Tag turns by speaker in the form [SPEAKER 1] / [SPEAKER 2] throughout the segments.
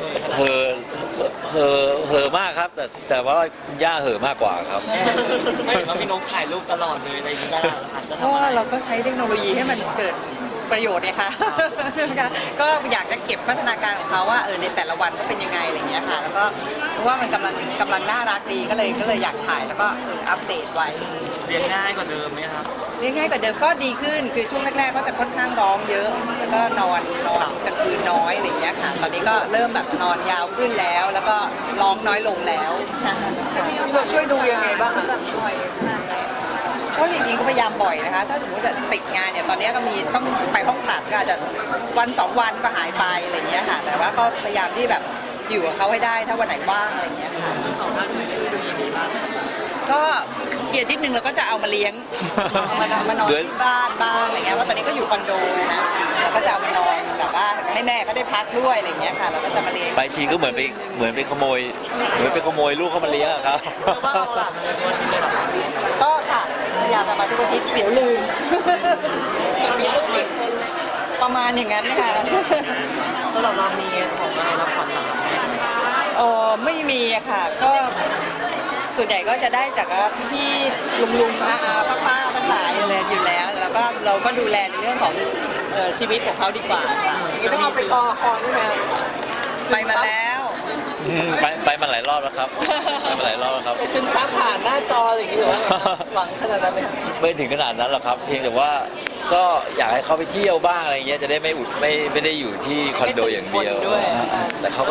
[SPEAKER 1] เห่อเห่อมากครับแต่ว่าคุณย่าเห่อมากกว่าครับ
[SPEAKER 2] ไม่เห็นว่าพี่นกถ่ายรูปตลอดเลยอะไรอย่างนี้ก็อาจจะ
[SPEAKER 3] เพ
[SPEAKER 2] ทำ
[SPEAKER 3] ราะ
[SPEAKER 2] อะ
[SPEAKER 3] ว่า
[SPEAKER 2] ไร
[SPEAKER 3] เราก็ใช้เทคโนโลยีให้มันเกิดประโยชน์เนี่ยค่ะใช่ไหมคะก็อยากจะเก็บพัฒนาการของเขาว่าในแต่ละวันก็เป็นยังไงอะไรอย่างเงี้ยค่ะแล้วก็เพราะว่ามันกำลังน่ารักดีก็เลยอยากถ่ายแล้วก็อัปเดตไว้
[SPEAKER 2] เลี้ยงง่ายกว่าเดิมไหมครับ
[SPEAKER 3] เรียกง่ายกว่าเดิมก็ดีขึ้นคือช่วงแรกๆก็จะค่อนข้างร้องเยอะแล้วก็นอนกลางคืนน้อยอะไรอย่างเงี้ยค่ะตอนนี้ก็เริ่มแบบนอนยาวขึ้นแล้ว แล้วก็ร้องน้อยลงแล้ว
[SPEAKER 4] ช่วยดูยังไงบ้างคะ
[SPEAKER 3] ก็จริงๆก็พยายามบ่อยนะคะถ้าสมมติติดงานเนี่ยตอนนี้ก็มีต้องไปห้องตัดก็อาจจะวันสองวันก็หายไปอะไรอย่างเงี้ยค่ะแต่ว่าก็พยายามที่แบบอยู่กับเขาให้ได้ถ้าวันไหนว่างอะไรอย่างเงี้ยค่ะก็เกียรตินิดนึงเราก็จะเอามาเลี้ยงมานอนที่บ้านบ้างอะไรเงี้ยเพราะตอนนี้ก็อยู่คอนโดนะเราก็จะเอามานอนแบบว่าให้แม่ก็ได้พักด้วยอะไรเงี้ยค่ะเราก็จะมาเลี้ยง
[SPEAKER 1] ไปทีก็เหมือนไปขโมยลูกเข้ามาเลี้ยงอะครับ
[SPEAKER 2] หรือว่าเอาหลานมาเลยตัวที่เลยเหรอครับ
[SPEAKER 3] ก็ค่ะพยายามมาทุกอาทิตย์เดี๋ยวลืม ประมาณอย่างนั้นค่ะ
[SPEAKER 2] สำหรับเรามีของอะไรรับขวัญหลานไหม
[SPEAKER 3] ไม่มีอะค่ะก็ส่วนใหญ่ก็จะได้จากพี่ลุงอาป้าทั้งหลายอะไรอยู่แล้วแล้วก็เราก็ดูแลในเรื่องของชีวิตของเขาดีกว่าค่ะ
[SPEAKER 4] นี่ต้องเอาไปกอละครด้วยไหม
[SPEAKER 3] ไปมาแล้ว
[SPEAKER 1] ไปมาหลายรอบแล้วครับไปมาหลายรอบแล้วครับ
[SPEAKER 4] ไปซึมซับผ่านหน้าจออะไรอย่างงี้หรือว่าหวังขนาดนั้นไหมคะ
[SPEAKER 1] ไม่ถึงขนาดนั้นหรอกครับ เพียงแต่ว่าก็อยากให้เขาไปเที่ยวบ้างอะไรเงี้ยจะได้ไม่ได้อยู่ที่คอนโดอย่างเดียวแต่เขาก็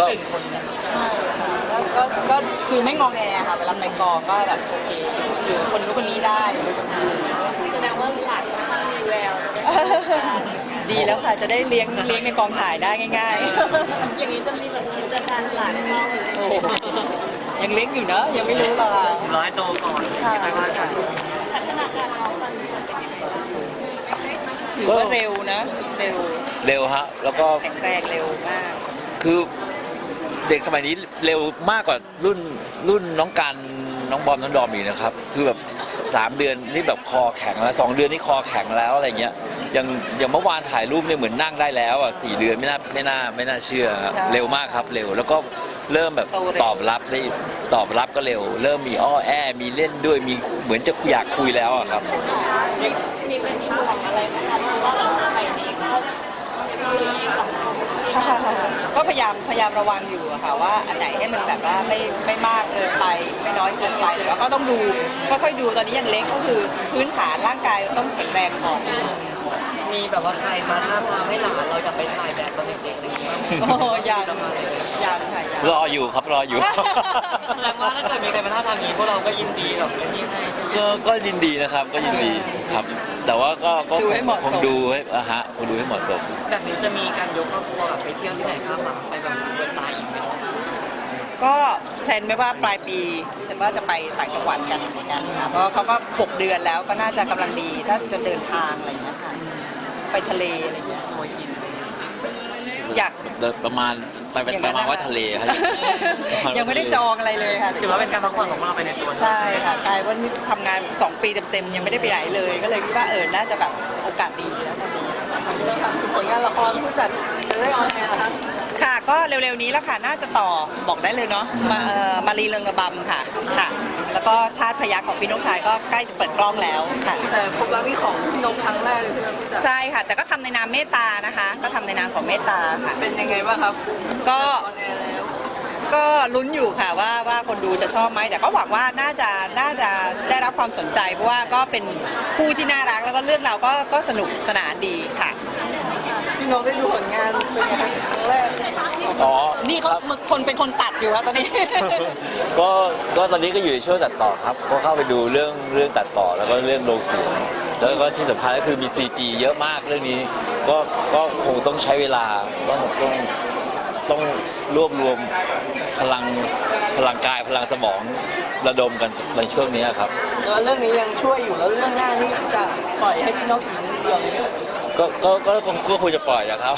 [SPEAKER 3] ก็คือไม่งอแงค่ะเวลาไปกองก็แบบโอเคอยู่คนนู้นคนนี้ได้
[SPEAKER 4] แสดงว่าหลานค่อนข้างมีแวว
[SPEAKER 3] ดีแล้วค่ะจะได้เลี้ยงในกองถ่ายได้ง่าย
[SPEAKER 4] อย่างนี้จะมีแบบกิจการหลานเข้า
[SPEAKER 3] ๆโอ้โหยังเล็กอยู่เนอะยังไม่รู้หรอกค่ะ
[SPEAKER 2] ร้อยโตก่อนไม่ว่ากัน
[SPEAKER 4] พัฒนาการน้องตอนนี้มันเป็นยังไงบ้าง
[SPEAKER 3] ถือว่าเร็วนะเร็ว
[SPEAKER 1] ฮะแล้วก็
[SPEAKER 3] แข็งแรงเร็วมาก
[SPEAKER 1] คือเด็กสมัยนี้เร็วมากกว่ารุ่นน้องกันน้องบอมน้องดอมอีกนะครับคือแบบ3 เดือนนี่แบบคอแข็งแล้ว2 เดือนนี่คอแข็งแล้วอะไรเงี้ยอย่างเมื่อวานถ่ายรูปเนี่ยเหมือนนั่งได้แล้วอ่ะ4 เดือนไม่น่าเชื่อครับเร็วมากครับเร็วแล้วก็เริ่มแบบตอบรับก็เร็ว เริ่มมีอ้อแอมีเล่นด้วยมีเหมือนจะอยากคุยแล้วอะครับ
[SPEAKER 4] มีเป็นที่ห่วงอะไรไหมคะเพราะว่าเราสมัยนี้ก็มีสังคม
[SPEAKER 3] ก็พยายามระวังอยู่อะค่ะว่าอันไหนให้มันแบบว่าไม่มากเกินไปไม่น้อยเกินไปแต่ว่าก็ต้องดูก็ค่อยดูตอนนี้ยังเล็กก็คือพื้นฐานร่างกายต้องแข็งแรงก่อน
[SPEAKER 2] มีแบบว่าใครมาท้าทามให้หลานเราอยากไปถ่ายแบบตอนเด็กๆอะไรอย่างเงี้ย
[SPEAKER 3] โอ้ยังค่ะยัง
[SPEAKER 1] รออยู่ครับรออยู่
[SPEAKER 2] แสดงว่าถ้าเกิดมีใครมาท้าทามนี้พวกเราก็ยินดีแบบไม่มีให้ใช่ไหม
[SPEAKER 1] ก็ยินดีนะครับก็ยินดีครับ แต่ว่าก็คงดูให้คงดูให้เหมาะสม
[SPEAKER 2] แบบนี้จะมีการยกครอบครัวแบบไปเที่ยวที่ไหนภาคหลังไปแบบเดินตายอีกไหมครับ
[SPEAKER 3] ก็แพลนไว้ว่าปลายปีจะไปต่างจังหวัดกันเหมือนกันค่ะเพราะเขาก็6 เดือนแล้วก็น่าจะกำลังดีถ้าจะเดินทางอะไรอย่างเงี้ยค่ะไปทะเลอะไรอย่างเงี้ย
[SPEAKER 2] โอ้ยอิน
[SPEAKER 3] อยาก
[SPEAKER 1] ประมาณว่าทะเลครับ
[SPEAKER 3] ยังไม่ได้จองอะไรเลยค่ะ
[SPEAKER 2] ถือว่าเป็นการพักผ่อนของพวกเราไปในตัว
[SPEAKER 3] ใช่ค่ะใช่เพราะนี่ทำงาน2 ปีเต็มๆยังไม่ได้ไปไหนเลย ก็เลยคิดว่าน่าจะแบบโอกาสดีแล้วตอนนี้
[SPEAKER 4] ผลงานละครผู้จัดจะได้ออนแอร์นะคะ
[SPEAKER 3] ค่ะก็เร็วๆนี้แล้วค่ะน่าจะต่อบอกได้เลยเนาะมารีเริงระบำค่ะค่ะ แล้วก็ชาติพยัคฆ์ของพี่นกชายก็ใกล้จะเปิดกล้องแล้วค่ะ
[SPEAKER 4] แต่พบรักนี่ของพี่นกครั้งแรกเลยใช่ไหมผู้จัด
[SPEAKER 3] ใช่ค่ะ แต่ก็ทำในนามเมตตานะคะ ก็ทำในนามของเมตตาค่ะ
[SPEAKER 4] เป็นยังไงบ้างครับ
[SPEAKER 3] ก็
[SPEAKER 4] ออนแอร์แล้ว
[SPEAKER 3] ก็ลุ้นอยู่ค่ะว่าคนดูจะชอบไหมแต่ก็หวังว่าน่าจะได้รับความสนใจเพราะว่าก็เป็นคู่ที่น่ารักแล้วก็เรื่องเราก็สนุกสนานดีค่ะ
[SPEAKER 4] พี่นกได้ดูผลงานเป็นยังไงครั้งแรก
[SPEAKER 1] อ๋อ
[SPEAKER 3] นี่เขาคนเป็นคนตัดอยู่แล้วตอนนี้
[SPEAKER 1] ก็ตอนนี้ก็อยู่ในช่วงตัดต่อครับก็เข้าไปดูเรื่องตัดต่อแล้วก็เรื่องโลงเสียงแล้วก็ที่สำคัญก็คือมี CG เยอะมากเรื่องนี้ก็คงต้องใช้เวลาต้องรวบรวมพลังกายพลังสมองระดมกันในช่วงนี้ครับ
[SPEAKER 4] แล้วเรื่องนี้ยังช่วยอยู่แล้วเรื่องหน้านี่จะปล่อยให้พี่นกอีกเรื่องนึง
[SPEAKER 1] ก็ควรจะปล่อยนะครับ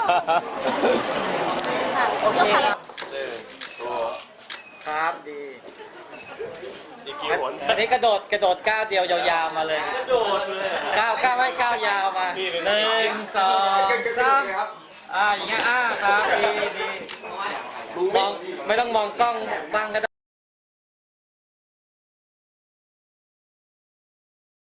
[SPEAKER 4] โอเค
[SPEAKER 5] ครับดีอันนี้กระโดดก้าวเดียวยาวๆมาเลยกระโดดเลยก้าวไว้ก้าวยาวมา1 2 3อย่างเงี้ยครับดีมองไม่ต้องมองกล้องบ้างก็ได้